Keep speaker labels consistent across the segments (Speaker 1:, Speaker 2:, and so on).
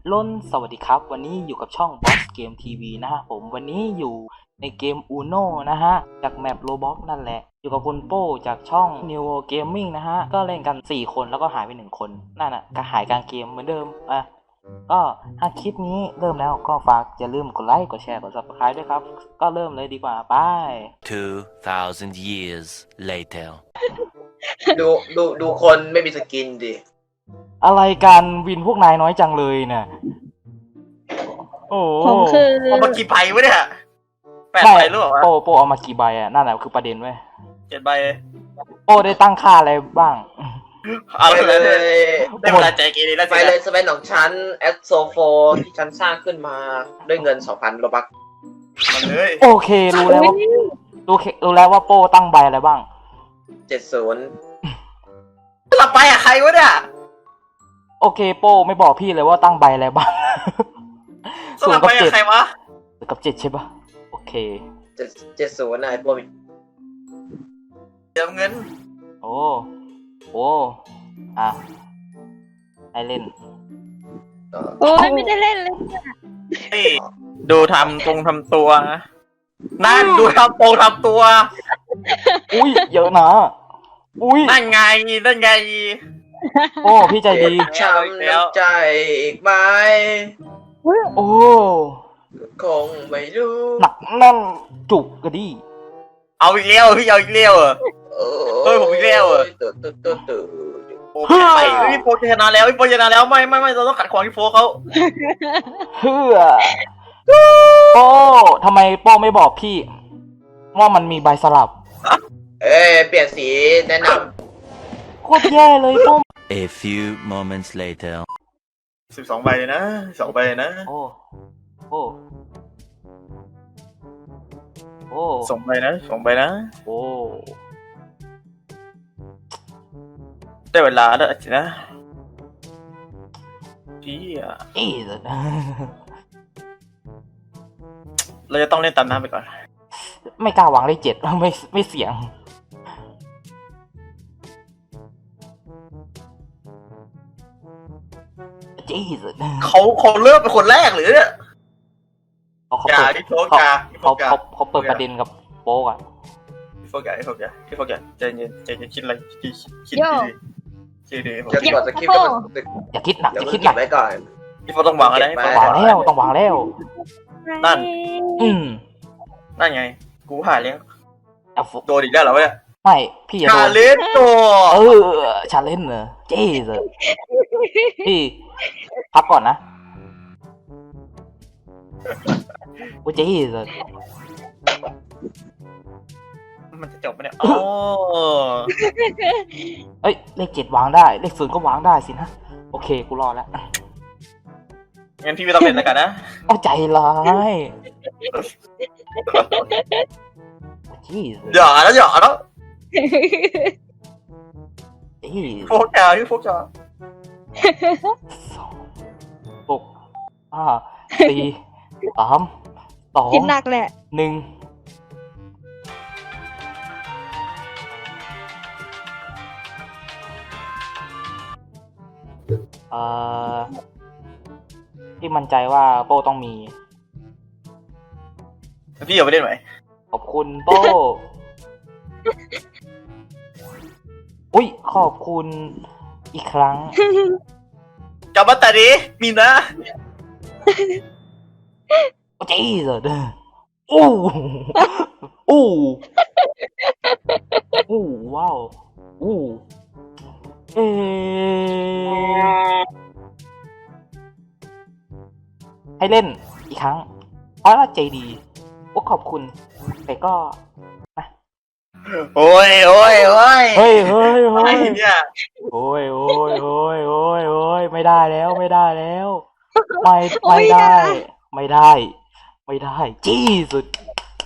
Speaker 1: ล้นสวัสดีครับวันนี้อยู่กับช่อง Boss Game TV นะฮะผมวันนี้อยู่ในเกม Uno นะฮะจากแมป Roblox นั่นแหละอยู่กับคุณโป้จากช่อง New World Gaming นะฮะก็เล่นกัน4คนแล้วก็หายไป1คนนั่นน่ะก็หายกลางเกมเหมือนเดิมก็ถ้าคลิปนี้เริ่มแล้วก็ฝากอย่าลืมกดไลค์กดแชร์กด Subscribe ด้วยครับก็เริ่มเลยดีกว่าไป
Speaker 2: 2,000 years later
Speaker 3: ดูคนไม่มีสกินดิ
Speaker 1: อะไรกันวินพวกนายน้อยจังเลยเนี่ยโอ้
Speaker 4: ผมคือ
Speaker 3: เอามากี่ใบวะเนี่ย8 ใบหรือเปล่าวะ
Speaker 1: โปเอามากี่ใบอ่ะนั่นแหละคือประเด็นเว้ย
Speaker 3: 7 ใบ
Speaker 1: โปได้ตั้งค่าอะไรบ้าง
Speaker 3: เอาเลยได้เวลาใจเกเรแล้ว
Speaker 5: ไป
Speaker 3: สิ
Speaker 5: เลยสเปนของฉันแอดโซโฟที่ฉันสร้างขึ้นมาด้วยเงิน 2,000 โลบัก
Speaker 3: มันเลย
Speaker 1: โอเครู้แล้วว่ารู้แล้วว่าโปตั้งใบอะไรบ้าง
Speaker 5: 70
Speaker 3: สลับไปอะใครวะเนี่ย
Speaker 1: โอเคโปไม่บอกพี่เลยว่าตั้งใบอะไรบ้าง
Speaker 3: สลับไปอะใครวะ
Speaker 1: 0 กับ 7ใช่ปะโอเค
Speaker 5: 70นะไอ้พวกมี
Speaker 3: เติมเงิน
Speaker 1: โอ้อ่ะให้เล่น
Speaker 4: โอ้ยไม่ได้เล่นเลย
Speaker 3: นี่ดูทำตัวนะนั่นดูทำตัว
Speaker 1: อุ้ยเยอะนะอุ้ย
Speaker 3: นั่นไง
Speaker 1: โอ้พี่ใจดี
Speaker 5: ช้ำน้ำใจอีกไหม
Speaker 1: โอ้
Speaker 5: คงไม่รู้
Speaker 1: หนักแน่นจุกกระดี
Speaker 3: เอาอีกแล้วพี่เอาอีกแล้วเหรอ เฮ้ยผมอีกแล้วเหรอ
Speaker 5: ตื่น
Speaker 3: โอ้ไปพี่โฟชนะแล้วพี่โฟชนะแล้วไม่เราต้องขัดขวางพี่โฟเขา
Speaker 1: เฮือโป้ทำไมโป้ไม่บอกพี่ ว่ามันมีใบสลับ
Speaker 5: เปลี่ยนสีแนะน
Speaker 1: โคตรแย่เลยโป้
Speaker 2: A few moments later
Speaker 3: 12 ใบเลยนะ2 ใบเลยนะ
Speaker 1: โอ้โอ้
Speaker 3: 2 ใบนะ2 ใบนะ
Speaker 1: โอ้
Speaker 3: ได้เวลาแล้วสินะพี่อะ
Speaker 1: อีส
Speaker 3: เราจะต้องเล่นตามน้ำไปก่อน
Speaker 1: ไม่กล้าวางเลข 7ไม่เสียงจีส
Speaker 3: เขาเริ่มเป็นคนแรกหรือเนี่ย
Speaker 1: เขา
Speaker 3: อย่า
Speaker 1: เปิด
Speaker 3: พี่โฟกอย่าพี่โฟกอย่า
Speaker 1: เขาเปิดประเด็นกับโป๊กอะ
Speaker 3: พี่โฟกอย่าใจเย็นคิดอะไรคิดดี
Speaker 5: ำจะกดสคริปต์ก็
Speaker 1: อย่าคิดหนัก
Speaker 5: เดี๋ยว
Speaker 1: อย่า
Speaker 5: มึ
Speaker 1: คิ
Speaker 5: ง
Speaker 1: ดห
Speaker 5: เก็
Speaker 1: นั
Speaker 5: บ
Speaker 1: ก
Speaker 5: ไว้ก่อน
Speaker 3: พี่โฟต้องวางอะไร
Speaker 1: ต้องวางแล้ว
Speaker 3: นั่น
Speaker 1: นั่น
Speaker 3: ไงกูหาเลี้ยง
Speaker 1: เอา
Speaker 3: โดนอีกแล้วเหรอวะเนี่ย
Speaker 1: ไม่พี่อย่า
Speaker 3: ชา
Speaker 1: โดน
Speaker 3: เลนตัว
Speaker 1: ชาเลนจ์เหรอเจ๊สพี่พักก่อนนะโอ้เจ๊ส
Speaker 3: มันจะจบไหมเนี่ยอ๋อ
Speaker 1: เอ้ยเลข 7วางได้เลข 0ก็วางได้สินะโอเคกูรอแล้ว
Speaker 3: งั้นพี่ไม่ต้องเล่นแล้วกันนะ
Speaker 1: เอาใจร้ายจี้
Speaker 3: อย่าแล้ว
Speaker 1: จี้
Speaker 3: โฟกอย่าพี่โฟกอย่า
Speaker 1: 6 5 4 3
Speaker 4: คิดหนักแหละ
Speaker 1: 2 1ที่มั่นใจว่าโป้ต้องมี
Speaker 3: พี่อย่าไปเล่นไหม
Speaker 1: ขอบคุณโป้อุ้ยขอบคุณอีกครั้ง
Speaker 3: กลับมาแต่นี้มีนะ
Speaker 1: โอ้เจ๊สดอู้อู้อู้ว้าวอู้ให้เล่นอีกครั้งเพราะว่าใจดีโอ้ขอบคุณแต่ก็
Speaker 3: โอ้ย
Speaker 1: เฮ้ย
Speaker 3: อะไรเนี่ย
Speaker 1: โอ้ยไม่ได้แล้วไม่ได้จี้สุด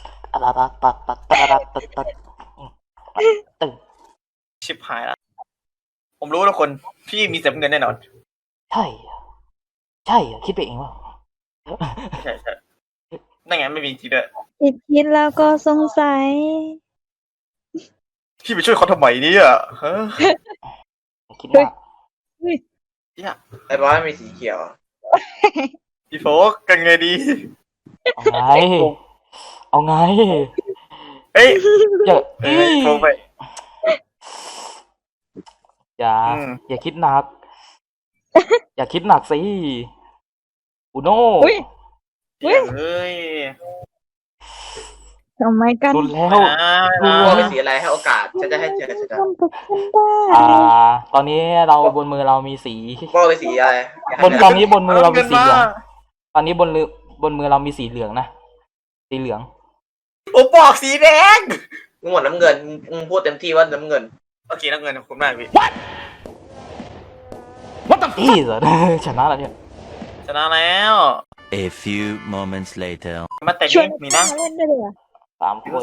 Speaker 1: ตัดตึง
Speaker 3: ชิบหายละผมรู้ทุกคนพี่มีเต็มเงินแน่นอน
Speaker 1: ใช่เหรอคิดไปเองว่า
Speaker 3: ใช่นั่นไงไม่มีจริงด้วย
Speaker 4: คิดแล้วก็สงสัย
Speaker 3: พี่ไปช่วยเขาทำไมเนี่ยฮะ
Speaker 1: คิดว่า
Speaker 5: ไอ้บอสมีสีเขียว
Speaker 3: พี่โฟกกันไงดี
Speaker 1: เอาไง เอาไง
Speaker 3: เฮ้ย
Speaker 1: อย่า
Speaker 3: เฮ้ยโฟกไป
Speaker 1: อย่า
Speaker 3: อืม
Speaker 1: อย่าคิดหนัก อย่าคิดหนักสิอุโน่
Speaker 4: อุ้ย เฮ้ย
Speaker 3: เฮ้ย
Speaker 4: ทำไมกัน
Speaker 1: รุนแล้ว
Speaker 5: โป้เป็นสีอะไรให้โอกาสฉันจะให้เจอฉันจะ
Speaker 4: ทำกับฉันได้
Speaker 1: ตอนนี้เราบนมือเรามีสี
Speaker 5: โป้เป็นสีอะไร
Speaker 1: ตอนนี้บนมือเรามีสีเหลือง
Speaker 3: เอาเงินมา
Speaker 1: ตอนนี้บนมือเรามีสีเหลืองนะ สีเหลือง
Speaker 3: ผมบอกสีแดง
Speaker 5: มึงหมดน้ำเงินมึงพูดเต็มที่ว่าน้ำเงิน
Speaker 3: โอเคน้ำเงินผมได้พี่
Speaker 1: อีส ชนะแล้วเนี่ย
Speaker 3: ชนะแล้ว
Speaker 2: A few moments later.
Speaker 3: มาแต่
Speaker 4: ชวน
Speaker 3: นี่มีนะ
Speaker 4: มาเล่นได้เลยเหรอ
Speaker 1: 3 คน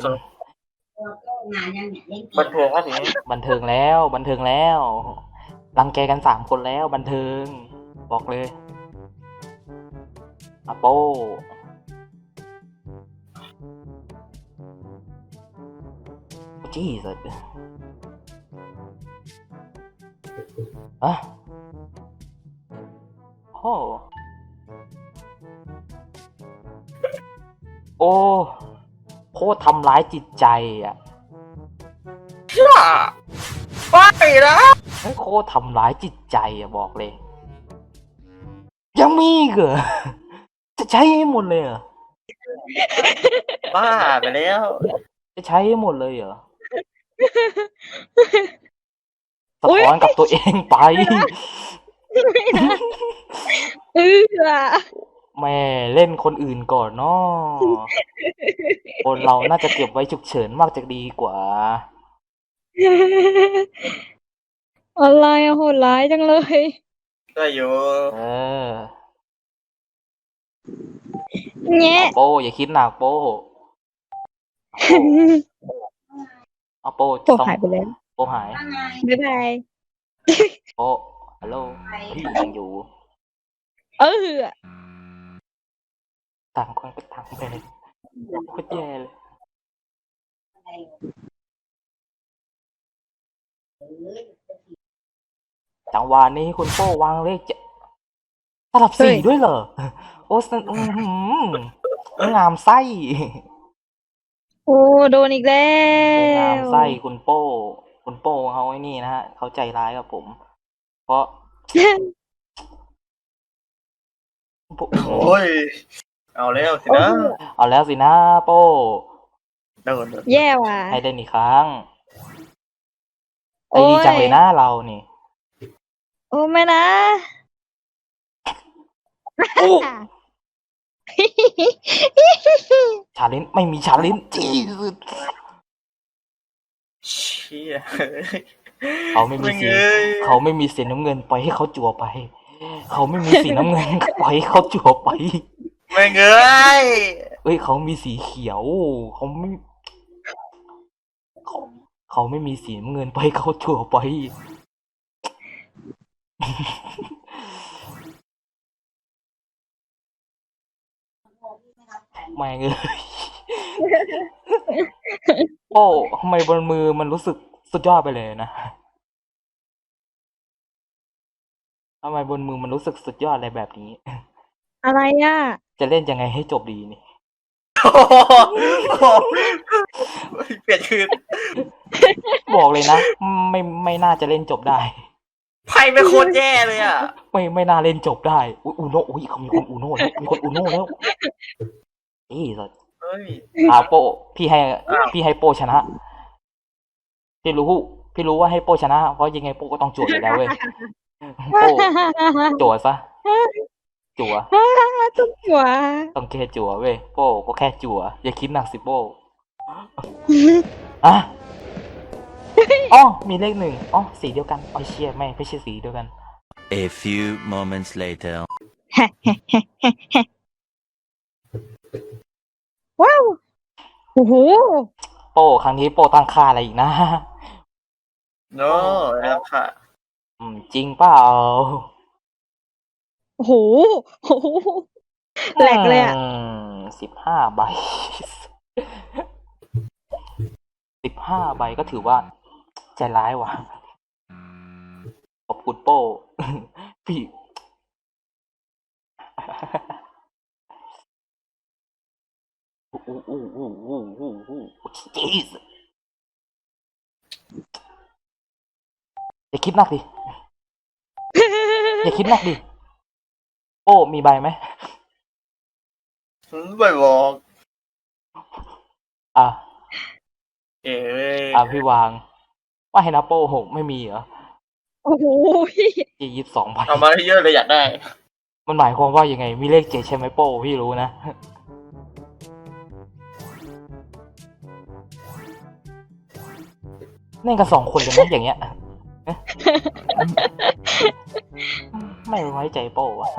Speaker 3: บันเทิงครับทีนี้
Speaker 1: บันเทิงแล้ว บันเทิงแล้ว รังแกกัน3 คนแล้ว บันเทิง บอกเลยอาโป้จีสุดอะโอ้โอ้โคตรทำร้ายจิตใจอ่ะ
Speaker 3: ไปนะ
Speaker 1: เฮ้ยโคตรทำร้ายจิตใจอะบอกเลย ยังมีอีกเหรอ จะใช้ให้หมดเลยเหรอ
Speaker 3: บ้าไปแล้ว
Speaker 1: จะใช้ให้หมดเลยเหรอ สะท้อนกับตัวเองไป
Speaker 4: เออ
Speaker 1: แม่เล่นคนอื่นก่อนเนาะคนเราน่าจะเก็บไว้ฉุกเฉินมากจะดีกว่า
Speaker 4: อะไรอะโหดร้ายจังเลย
Speaker 3: ได้อยู่
Speaker 1: เออ
Speaker 4: แง่
Speaker 1: เอาโป้อย่าคิดหนักโป้เอาโป้
Speaker 4: โอ้หายไปแล้ว
Speaker 1: โป้หาย
Speaker 4: บ๊ายบาย
Speaker 1: โป้ฮัลโหลพี่ยังอยู่
Speaker 4: เออ
Speaker 1: ต่างคนก็ต่างไปเลยโคตรแย่เลย จังหวะนี้คุณโป้วางเลขจะสลับสีด้วยเหรอ โอ้สนงามไส้
Speaker 4: โอ้โดนอีกแล้
Speaker 1: งาม
Speaker 4: ว
Speaker 1: ไส้คุณโป้ คุณโป้เขาไอ้นี่นะฮะเขาใจร้ายกับผม เพราะ
Speaker 3: โอ้ย เอาแล้วสินะ
Speaker 1: เอาแล้วสินะโป้
Speaker 3: โดน
Speaker 4: แย่ว่ะ
Speaker 1: ให้ได้อีกครั้งใจ
Speaker 4: โอ้ย
Speaker 1: ดีจังเลยนะเรานี่
Speaker 4: โอ้ไม่นะ
Speaker 1: โอ้ชาเลนจ์ไม่มีชาเลนจ์จีสุด
Speaker 3: เชี่ย
Speaker 1: เขาไม่มีสี
Speaker 3: เอ้ย
Speaker 1: เขาไม่มีสีน้ำเงินปล่อยให้เขาจั่วไป เขาไม่มีสีน้ำเงิน ปล่อยให้เขาจั่วไป
Speaker 3: ไม่เงย
Speaker 1: เอ้ยเขามีสีเขียว เขาไม่เขาเขาไม่มีสีน้ำเงินปล่อยให้เขาจั่วไป แม่งเอ้ย โอ้ทำไมบนมือมันรู้สึกสุดยอดไปเลยนะทำไมบนมือมันรู้สึกสุดยอดอะไรแบบนี้
Speaker 4: อะไรอ่ะ
Speaker 1: จะเล่นยังไงให้จบดีนี่
Speaker 3: โอ้โหเปลี่ยนคืน
Speaker 1: บอกเลยนะ ไม่น่าจะเล่นจบได้
Speaker 3: ไพ่ไม่โคตรแย่เลยอ่ะ
Speaker 1: ไม่น่าเล่นจบได้อุ๊ยอูโน่อุ้ยเขามีคนอูโน่แล้วมีคนอูโน่แล้วเอ้ยสัส
Speaker 3: เฮ้ย
Speaker 1: โปพี่ให้โปชนะ พี่รู้ว่าให้โปชนะ เพราะยังไงโปก็ต้องจั่วอยู่แล้วเว้ยโปจั่วซะจั่ว
Speaker 4: ทุกหัว
Speaker 1: ต้องแค่จั่วเว้ยโปก็แค่จั่วอย่าคิดหนักสิโปอ่ะอ๋อมีเลข1อ๋อสีเดียวกันอ๋อเชี่ยไม่ใช่สีเดียวกัน
Speaker 2: A few moments later.
Speaker 4: ว้าวโอ้โห
Speaker 1: โปครั้งนี้โปตั้งค่าอะไรอีกนะ
Speaker 3: โน้แล้วค่ะ
Speaker 1: จริงเปล่า
Speaker 4: โอ้โหโอ้โหแหลกเลยอ่ะ
Speaker 1: 15 ใบ 15 ใบก็ถือว่าใจร้ายว่ะ ขอบคุณโป้ พี่ jeez อย่าคิดหนักดิ อย่าคิดหนักดิ โอ้ มีใบไหม
Speaker 3: ไม่บอก
Speaker 1: อ่ะ
Speaker 3: เอ้ย
Speaker 1: อ่ะพี่วาง ว่าให้นับโป้หกไม่มีเหรอ
Speaker 4: โอ้โห
Speaker 1: 22 ใบ
Speaker 3: เอามาให้เยอะเลยอยากได้
Speaker 1: มันหมายความว่ายังไง มีเลข7ใช่ไหมโป้พี่รู้นะ เล่นกัน2 คนเลยนะอย่างเงี้ย ไม่ไว้ใจโป้อะ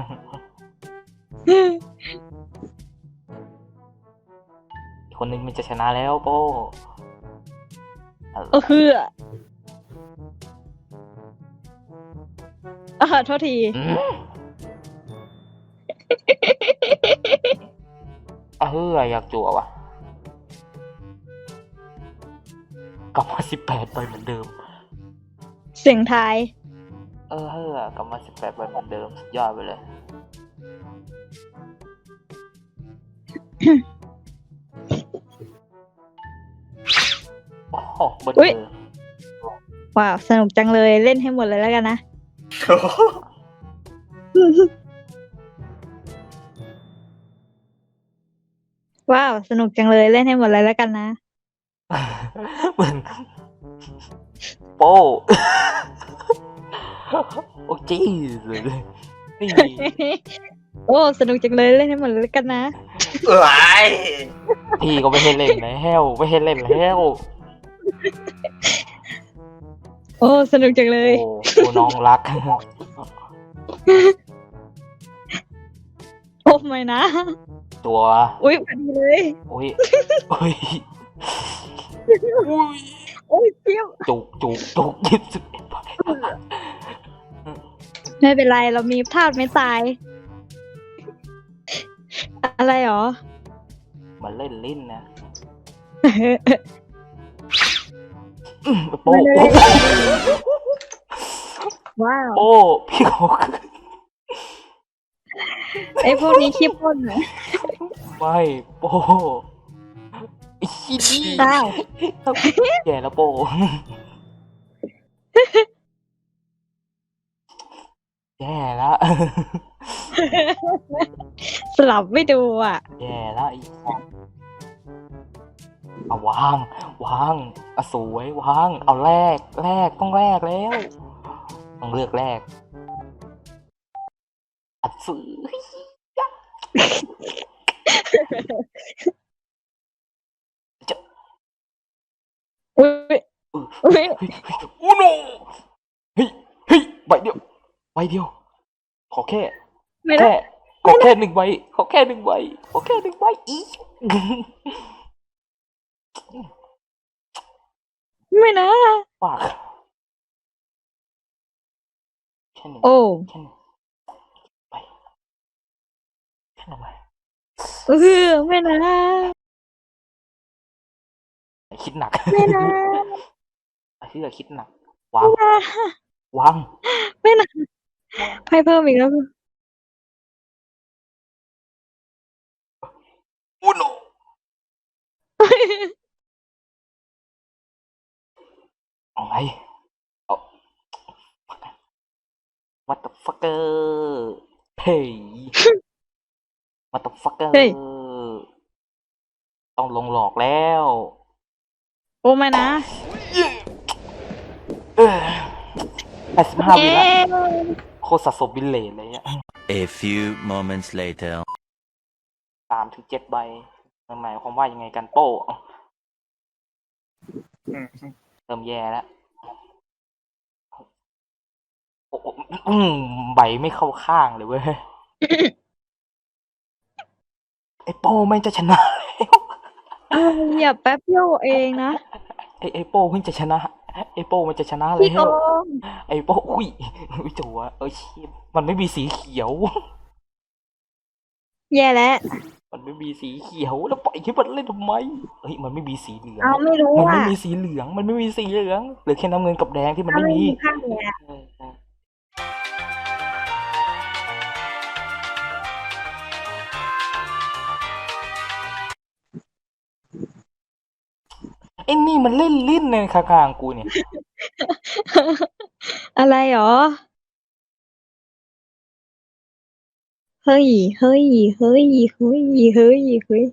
Speaker 1: อีกคนนึงมันจะชนะแล้วโป้
Speaker 4: เออคือโทษที
Speaker 1: อืมอยากจั่วว่ะ กลับมา18 ใบเหมือนเดิม
Speaker 4: เสียงทาย
Speaker 1: กลับมา18 ใบเหมือนเดิมสุดยอดไปเลย โอ้โหเบอร์เดอร์
Speaker 4: ว้าว สนุกจังเลยเล่นให้หมดเลยแล้วกันนะ ว้าว สนุกจังเลยเล่นให้หมดเลยแล้วกันนะ
Speaker 1: เหมือนโป้ โอ้จีสเลยนี่
Speaker 4: โอ้ สนุกจังเลยเล่นให้หมดเลยแล้วกันนะ
Speaker 3: เอ้ย
Speaker 1: พี่ก็ไม่ให้เล่นแล้วไม่ให้เล่นแล้ว
Speaker 4: โอ้ สนุกจังเลย
Speaker 1: โอ้น้องรัก
Speaker 4: โอ้ไม่นะ
Speaker 1: ตัว
Speaker 4: อุ้ยพอดีเลย
Speaker 1: อุ้ยอุ้ย
Speaker 4: โอ้ยเจี๊ยบ
Speaker 1: จุก21 ใบ
Speaker 4: ไม่เป็นไรเรามีพลาดไม่ตาย อะไรหรอ
Speaker 1: มันเล่นลิ้นนะโป้
Speaker 4: ว้าว
Speaker 1: โป้พี่เขา
Speaker 4: ไอ้พวกนี้ขี้พ่นเหรอ
Speaker 1: ไม่โป้ไอ้ขี้นี่
Speaker 4: อ้าว
Speaker 1: แย่แล้วโป้แย่แล้ว
Speaker 4: สลับไม่ดูอ่ะ
Speaker 1: แย่แล้วอีกเอาวางเอาสวยวางเอาแรกต้องแรกแล้วต้องเลือกแรกอัดซื้อ
Speaker 4: อุ้ยอุ้ย
Speaker 1: โอ้โนเฮ้ยใบเดียวขอแค่
Speaker 4: ไม่ได้
Speaker 1: ขอแค่1 ใบขอแค่1 ใบอีก
Speaker 4: ไม่นะ
Speaker 1: ปากแค่หนึ่ง
Speaker 4: โอ้
Speaker 1: แค่หนึ่งไปแค่หนึ่งใบ
Speaker 4: ไม่นะ
Speaker 1: คิดหนัก
Speaker 4: ไม่นะ
Speaker 1: ไอ้ที่จะคิดหนักวาง
Speaker 4: ไม่นะให้เพิ่มอีกแล้ว
Speaker 1: โอ้โนเอาไงเอา what the fucker เฮ้ย what the fucker
Speaker 4: เฮ้ย
Speaker 1: ต้องลงหลอกแล้ว
Speaker 4: โอ้ไม่นะ
Speaker 1: 85 วิละ
Speaker 4: เย้
Speaker 1: โคตรสะสมบิลเลนเลยอ่ะ
Speaker 2: A few moments later.
Speaker 1: 3 ถึง 7 ใบมันหมายความว่ายังไงกันโป้เริ่มแย่แล้วโอ้ใบไม่เข้าข้างเลยเว้ย ไอ้โป้ไม่งจะชนะแล้ว
Speaker 4: อย่าแป๊บเดียวเองนะ
Speaker 1: ไอ้โป้เพิ่งจะชนะ ไอ้โป้มันจะชนะแล้
Speaker 4: พี่โก
Speaker 1: ว
Speaker 4: ง
Speaker 1: ไอ้โป้อุ้ยจัวชิบมันไม่มีสีเขียว
Speaker 4: แย่แล้ว
Speaker 1: มันไม่มีสีเขียวแล้วปล่อยให้มันเล่นทำไมเฮ้ยมันไม่มีสีเหลือง
Speaker 4: เอาไม่รู้
Speaker 1: มันไม่
Speaker 4: อ่ะ
Speaker 1: มีสีเหลืองเหลือแค่น้ำเงินกับแดงที่มัน
Speaker 4: เอา
Speaker 1: ไม่
Speaker 4: ไม่
Speaker 1: มี
Speaker 4: มีข้างเลยอ่ะ
Speaker 1: เออไอ้นี่มันเล่นลิ้นในข้างๆกูเนี่ย
Speaker 4: อะไรหรอ เฮ้ย เฮ้ย เฮ้ย เฮ้ย เฮ้ย เฮ้ย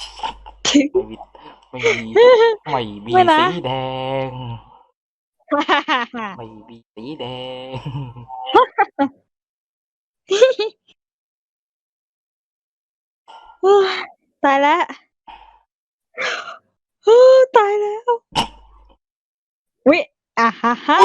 Speaker 1: ไม่มีไม่มี
Speaker 4: ไม่นะ
Speaker 1: สีแดง ไม่มีสีแดง
Speaker 4: ตายแล้วตายแล้ววิอ่ะฮ่าฮ่า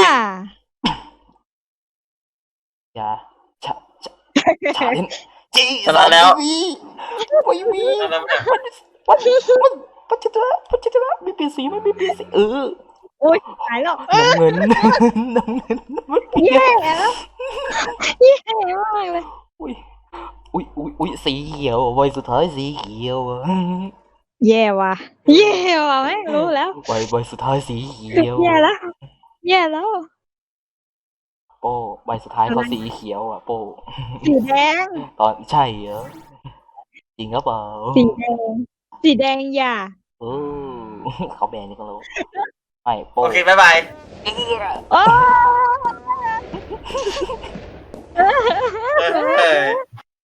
Speaker 1: อย่าฉะฉะเล่นจี
Speaker 3: ชนะแล้ว
Speaker 1: ไม่มี
Speaker 3: แล้วเนี่ย
Speaker 1: ปัจจุบันไม่เปลี่ยนสีไม่เปลี่ยนสี
Speaker 4: โอ้ยตายแล้ว
Speaker 1: น้ำเงินน้ำเงินไม่เปลี่ยน
Speaker 4: แย่แล้วแย่มากเลย
Speaker 1: อุ้ยสีเขียวใบสุดท้ายสีเขียวอะ
Speaker 4: แย่ว่ะแย่ว่ะไม่รู้แล้ว
Speaker 1: ใบสุดท้ายสีเขียว
Speaker 4: แย่แล้วแย่แล้ว
Speaker 1: โป้ใบสุดท้ายก็สีเขียวอ่ะโป้
Speaker 4: สีแดง
Speaker 1: ตอนใช่เหรอจริงหรือเปล่า
Speaker 4: สีแดงสีแดงอย่า
Speaker 1: เออเขาแบนนี่ก็รู้ไม่โป้
Speaker 3: โอเคบ๊ายบาย
Speaker 4: โอ้
Speaker 3: เออ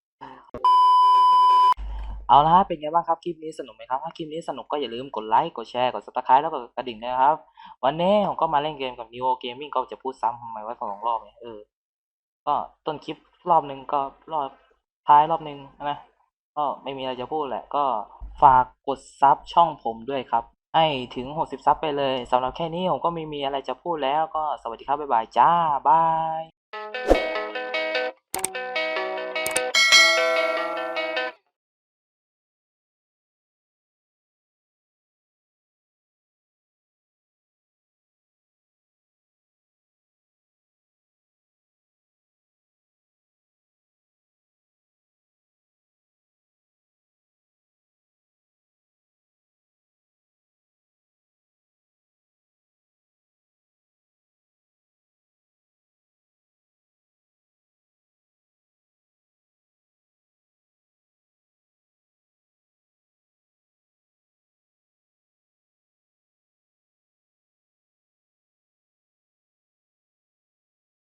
Speaker 1: เอาละฮะเป็นไงบ้างครับคลิปนี้สนุกไหมครับถ้าคลิปนี้สนุกก็อย่าลืมกดไลค์กดแชร์กด Subscribe แล้วก็กระดิ่งด้วยนะครับ วันนี้ผมก็มาเล่นเกมกับ Neo Gaming ก็จะพูดซ้ำทำไมว่า2 รอบเนี่ยก็ต้นคลิปรอบนึงก็รอบท้ายรอบนึงนะก็ไม่มีอะไรจะพูดแหละก็ฝากกดซับช่องผมด้วยครับให้ถึง60 ซับไปเลยสำหรับแค่นี้ผมก็ไม่มีอะไรจะพูดแล้วก็สวัสดีครับบ๊ายบายจ้าบาย